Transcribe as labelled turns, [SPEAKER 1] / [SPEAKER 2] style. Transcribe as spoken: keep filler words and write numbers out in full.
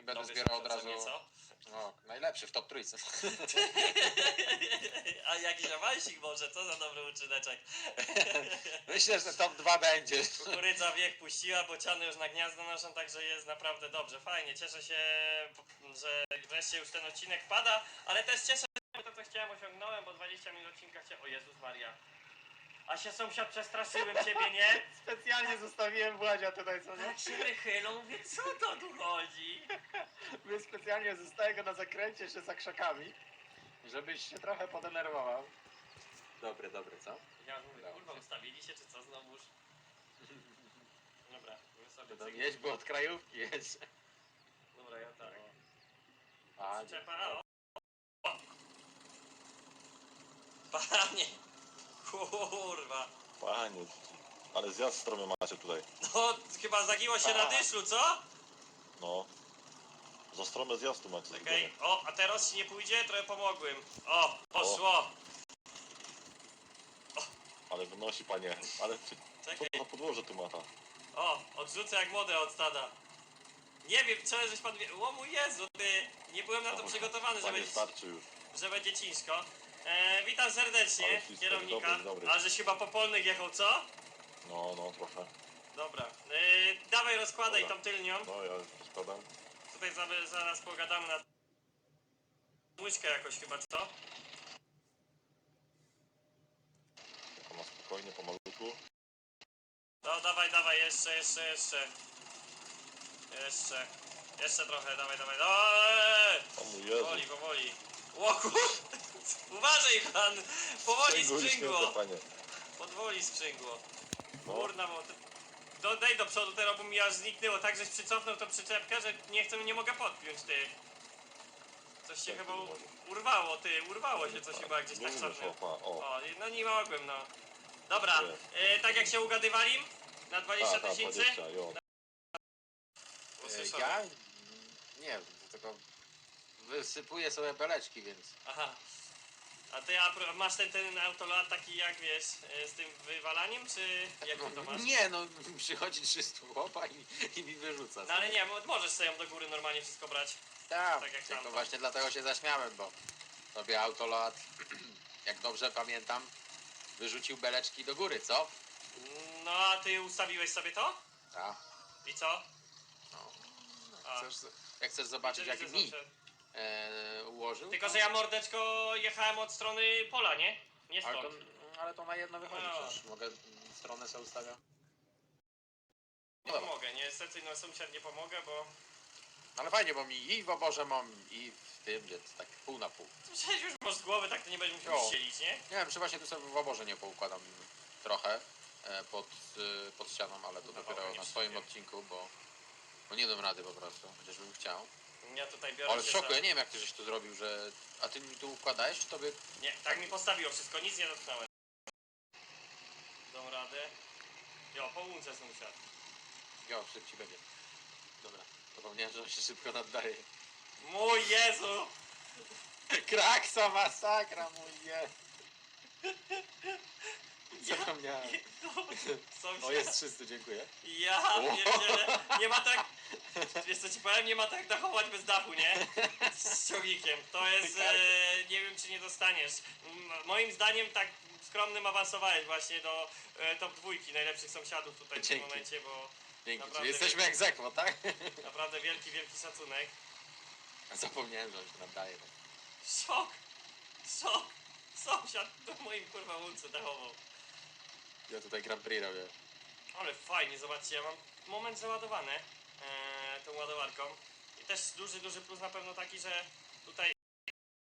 [SPEAKER 1] będę
[SPEAKER 2] Dobre
[SPEAKER 1] zbierał od razu...
[SPEAKER 2] zaprzyjaźnienie,
[SPEAKER 1] No, najlepszy w top trójce.
[SPEAKER 2] co? A jakiś awansik może, co za dobry uczyneczek.
[SPEAKER 1] Myślę, że top dwa będzie.
[SPEAKER 2] Kukurydza wiek puściła, bociany już na gniazdo noszą, także jest naprawdę dobrze, fajnie. Cieszę się, że wreszcie już ten odcinek pada, ale też cieszę się, że to co chciałem osiągnąłem, bo dwadzieścia minut odcinka chciałem... O Jezus Maria. A się sąsiad przestraszyłem ciebie, nie?
[SPEAKER 1] Specjalnie zostawiłem Władzia tutaj, co nie?
[SPEAKER 2] Tak się wychylą, mówię, co to tu chodzi?
[SPEAKER 1] My specjalnie zostaję go na zakręcie jeszcze za krzakami, żebyś się trochę podenerwował. Dobre, dobre, co?
[SPEAKER 2] Ja mówię,
[SPEAKER 1] Dobrze.
[SPEAKER 2] kurwa, ustawili się, czy co znowuż? Dobra, my sobie
[SPEAKER 1] To
[SPEAKER 2] cyk-
[SPEAKER 1] jedź, bo od krajówki jedź.
[SPEAKER 2] Dobra, ja tak.
[SPEAKER 1] A,
[SPEAKER 2] Przyczepa, a, o. O. Panie! Kurwa!
[SPEAKER 3] Panie, ale zjazd stromy macie tutaj.
[SPEAKER 2] No, chyba zagiło się na dyszlu, co?
[SPEAKER 3] No. Za stromę zjazdu macie
[SPEAKER 2] Okej,
[SPEAKER 3] zrobione.
[SPEAKER 2] o, a teraz ci nie pójdzie? Trochę pomogłem. O, poszło!
[SPEAKER 3] Ale wynosi, panie. Ale ty, co
[SPEAKER 2] Czekaj.
[SPEAKER 3] to za podłoże tu mata?
[SPEAKER 2] O, odrzucę jak młode od stada. Nie wiem, co żeś pan wie... O mój Jezu, ty... Nie byłem na to przygotowany, że
[SPEAKER 3] Panie,
[SPEAKER 2] będzie,
[SPEAKER 3] starczy już.
[SPEAKER 2] że będzie ciężko. E, witam serdecznie,
[SPEAKER 3] Ale wszystko
[SPEAKER 2] kierownika.
[SPEAKER 3] dobry, dobry.
[SPEAKER 2] A żeś chyba po polnych jechał, co?
[SPEAKER 3] No, no, trochę.
[SPEAKER 2] Dobra. E, dawaj rozkładaj
[SPEAKER 3] Dobra.
[SPEAKER 2] tą tylnią.
[SPEAKER 3] No, ja składam.
[SPEAKER 2] Tutaj zaraz, zaraz pogadamy na... Łyżkę jakoś chyba, co?
[SPEAKER 3] Tylko na spokojnie, pomalutku.
[SPEAKER 2] No dawaj, dawaj, jeszcze, jeszcze, jeszcze. Jeszcze. Jeszcze trochę, dawaj, dawaj. Eee!
[SPEAKER 3] O mój Jezu.
[SPEAKER 2] Powoli, powoli. Łoku! Uważaj pan! Powoli
[SPEAKER 3] Sprzęgło
[SPEAKER 2] sprzęgło!
[SPEAKER 3] śmieszne, panie.
[SPEAKER 2] Powoli sprzęgło.
[SPEAKER 3] No.
[SPEAKER 2] Kurna, bo... Do, daj do przodu teraz, bo mi aż zniknęło. Tak, żeś przycofnął tą przyczepkę, że nie chcę, nie mogę podpiąć, ty. Coś się
[SPEAKER 3] Jak
[SPEAKER 2] chyba
[SPEAKER 3] to
[SPEAKER 2] u-
[SPEAKER 3] nie może?
[SPEAKER 2] urwało, ty. Urwało się coś chyba gdzieś
[SPEAKER 3] Nie
[SPEAKER 2] tak
[SPEAKER 3] umiesz,
[SPEAKER 2] cofnął.
[SPEAKER 3] opa, o.
[SPEAKER 2] O, no nie mogłem, no. Dobra,
[SPEAKER 3] Jest.
[SPEAKER 2] e, tak jak się ugadywali, na dwadzieścia
[SPEAKER 3] Tak, tak,
[SPEAKER 2] tysięcy.
[SPEAKER 3] dwadzieścia, jo.
[SPEAKER 2] Usłyszałem.
[SPEAKER 1] Ja? Nie, tylko wysypuję sobie beleczki, więc...
[SPEAKER 2] Aha. A ty a, pro- masz ten, ten autolat taki jak wiesz, e, z tym wywalaniem, czy jak ty to masz?
[SPEAKER 1] Nie, no przychodzi trzystu chłopa i, i mi wyrzuca.
[SPEAKER 2] No ale nie, bo możesz sobie ją do góry normalnie wszystko brać.
[SPEAKER 1] Tak,
[SPEAKER 2] tak jak
[SPEAKER 1] tylko
[SPEAKER 2] tam.
[SPEAKER 1] właśnie dlatego się zaśmiałem, bo sobie autolat, jak dobrze pamiętam, wyrzucił beleczki do góry, co?
[SPEAKER 2] No a ty ustawiłeś sobie to?
[SPEAKER 1] Tak.
[SPEAKER 2] I co?
[SPEAKER 1] No.
[SPEAKER 2] A.
[SPEAKER 1] Chcesz, jak chcesz zobaczyć,
[SPEAKER 2] Widzę,
[SPEAKER 1] jak
[SPEAKER 2] widzę,
[SPEAKER 1] mi
[SPEAKER 2] zawsze.
[SPEAKER 1] e, ułożył?
[SPEAKER 2] Tylko, że ja mordeczko jechałem od strony pola, nie? Nie
[SPEAKER 1] ale,
[SPEAKER 2] stąd.
[SPEAKER 1] to, ale to na jedno wychodzi
[SPEAKER 2] No.
[SPEAKER 1] przecież. Mogę stronę sobie ustawiać.
[SPEAKER 2] Nie pomogę, nie, niestety no sąsiad nie pomogę, bo...
[SPEAKER 1] Ale fajnie, bo mi i w oborze mam, i w tym, więc tak pół na pół.
[SPEAKER 2] Przecież już masz z głowy, tak to nie będziesz musiał
[SPEAKER 1] Jo.
[SPEAKER 2] ścielić, nie?
[SPEAKER 1] Nie wiem, czy właśnie tu sobie w oborze nie poukładam trochę e, pod, e, pod ścianą, ale to
[SPEAKER 2] Na
[SPEAKER 1] dopiero
[SPEAKER 2] pewno nie
[SPEAKER 1] na swoim
[SPEAKER 2] przyjdzie.
[SPEAKER 1] odcinku, bo, bo nie dam rady po prostu, chociażbym chciał.
[SPEAKER 2] Ja tutaj biorę
[SPEAKER 1] Ale w
[SPEAKER 2] się
[SPEAKER 1] szoku,
[SPEAKER 2] za...
[SPEAKER 1] ja nie wiem jak ty żeś to zrobił, że... A ty mi tu układałeś, czy tobie...
[SPEAKER 2] Nie, tak mi postawiło wszystko, nic nie dotknąłem. Dam radę. Jo, po łunce sąsiad.
[SPEAKER 1] Jo, szybciej będzie. Dobra, zapomniałem, że on się szybko naddaje.
[SPEAKER 2] Mój Jezu!
[SPEAKER 1] Kraksa, masakra, mój je. Zapomniałem.
[SPEAKER 2] Sąsiad.
[SPEAKER 1] O, jest trzysta, dziękuję.
[SPEAKER 2] Ja pierdzielę, nie ma tak... Wiesz co ci powiem, nie ma tak dachować bez dachu, nie? Z ciągnikiem. To jest... E, nie wiem czy nie dostaniesz. M moim zdaniem tak skromnym awansowałeś właśnie do e, top dwójki najlepszych sąsiadów tutaj w tym
[SPEAKER 1] Dzięki.
[SPEAKER 2] momencie, bo
[SPEAKER 1] Dzięki,
[SPEAKER 2] Naprawdę
[SPEAKER 1] czyli jesteśmy jak zekwo, tak?
[SPEAKER 2] naprawdę wielki, wielki szacunek.
[SPEAKER 1] Zapomniałem, że on się naddaje.
[SPEAKER 2] Szok! Szok! Sąsiad do moim kurwa łunce dachował.
[SPEAKER 1] Ja tutaj Grand Prix robię.
[SPEAKER 2] Ale fajnie, zobaczcie, ja mam moment załadowany e, tą ładowarką. I też duży, duży plus na pewno taki, że tutaj